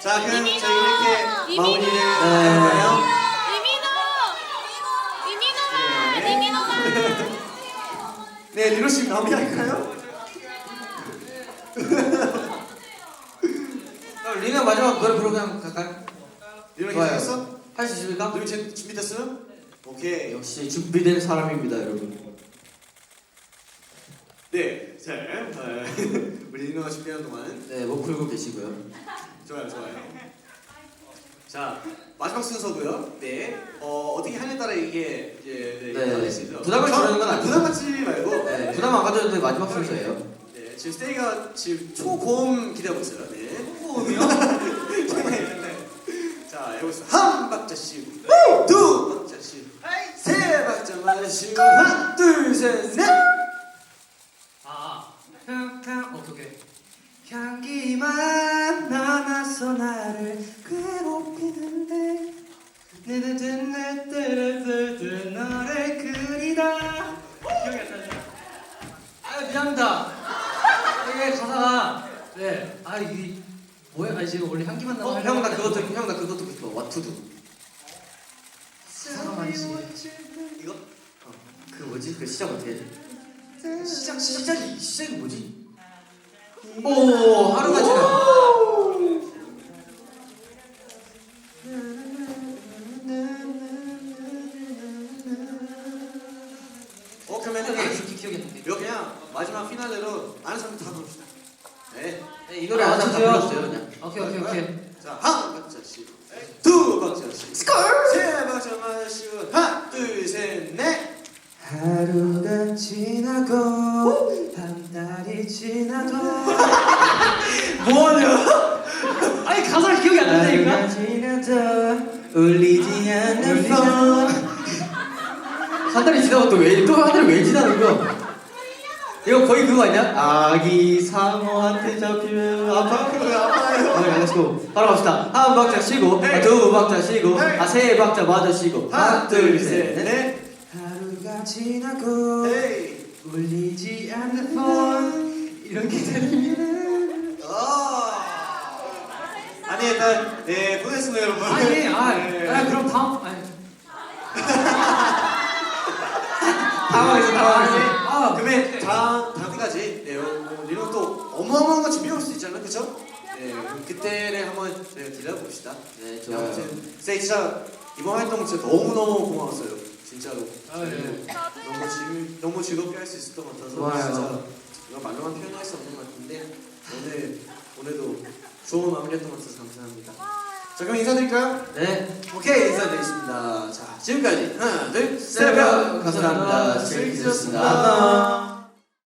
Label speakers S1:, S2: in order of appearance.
S1: 자, 그럼 저희 이렇게 마무리를
S2: 네.
S1: 할까요? 네, 리노 씨 마무리할까요?
S2: 리나 마지막 노래 부르고 그냥 갈까요?
S1: 리노
S2: 좋아요.
S1: 괜찮았어?
S2: 할 수 있습니까?
S1: 리노 준비됐어요? 오케이.
S2: 역시 준비된 사람입니다, 여러분.
S1: 네, 자, 우리 리노가 준비하는 동안
S2: 네, 목 풀고 계시고요.
S1: 좋아요. 자, 마지막 순서고요. 네, 어떻게 하냐에 따라 이게 이제 달릴 수 있어요.
S2: 부담을 주는 건 아니고.
S1: 부담 갖지 말고.
S2: 네, 부담 안 가져도 돼. 마지막 순서예요.
S1: 네, 지금 스테이가 지금 초고음 기대하고 있어요. 네.
S2: 초고음이요?
S1: 네. 자, 해보겠습니다. 한 박자 쉬고, 두 박자 쉬고, 세 박자만 쉬고, 하나, 둘, 셋, 넷.
S2: 어떻게? 향기만 남아서 나를 괴롭히는데 느느느느느느느 너를 그리다. 기억이 안 나죠? 아유 미안합니다. 이게 가사가 이게 뭐야? 아니 지금 원래 향기만 남아. 형 나 그거 듣고 싶어. 와투두. 사랑하지.
S1: 이거?
S2: 그 뭐지? 그 시작 어떻게 해? 시작이 뭐지? 오 하루가 지나.
S1: 그러면
S2: 기억이 안 나.
S1: 이거 그냥 마지막 피날레로 아는 사람 다 부릅시다. 네.
S2: 이 노래 아는 사람 다 불렀어요 그냥. 오케이.
S1: 자, 한 박자 쉬고, 두 박자 쉬고, 세 박자만 쉬고, 하나, 둘, 셋, 넷.
S2: 하루가 지나고 한 달이 지나도 뭐하냐? 아니 가사를 기억이 안 난다니까. 하루가 지나도 울리지 않는 폰. 한 달이 지나고 또 한 달이 왜 지나는 거야? 이거 거의 그거 아니야? 아기 상어한테 잡히면 아파요. 알겠고 바로 갑시다. 한 박자 쉬고, 두 박자 쉬고, 세 박자 마저 쉬고, 하나, 둘, 셋, 넷. 하루가 지나고 울리지 않는 폰 이런 게 들리면
S1: 아니 일단 네 보냈습니다 여러분.
S2: 그럼 당황했어.
S1: 그러면 다음 때까지 리노 또 어마어마한 거 준비해 올 수도 있잖아요, 그렇죠? 네, 그럼 그때를 한번 기다려 봅시다.
S2: 네, 좋아요.
S1: 아무튼 진짜 이번 활동 진짜 너무 고마웠어요, 진짜로. 너무 즐겁게 할 수 있었던 것 같아서
S2: 좋아요.
S1: 진짜 이거 말로만 표현할 수 없는 것 같은데 오늘도 좋은 마무리했던 것 같아서 감사합니다. 자, 그럼 인사드릴까요?
S2: 네.
S1: 오케이, 인사드리겠습니다. 자, 지금까지 하나, 둘, 셋,
S2: 감사합니다. 즐기셨습니다.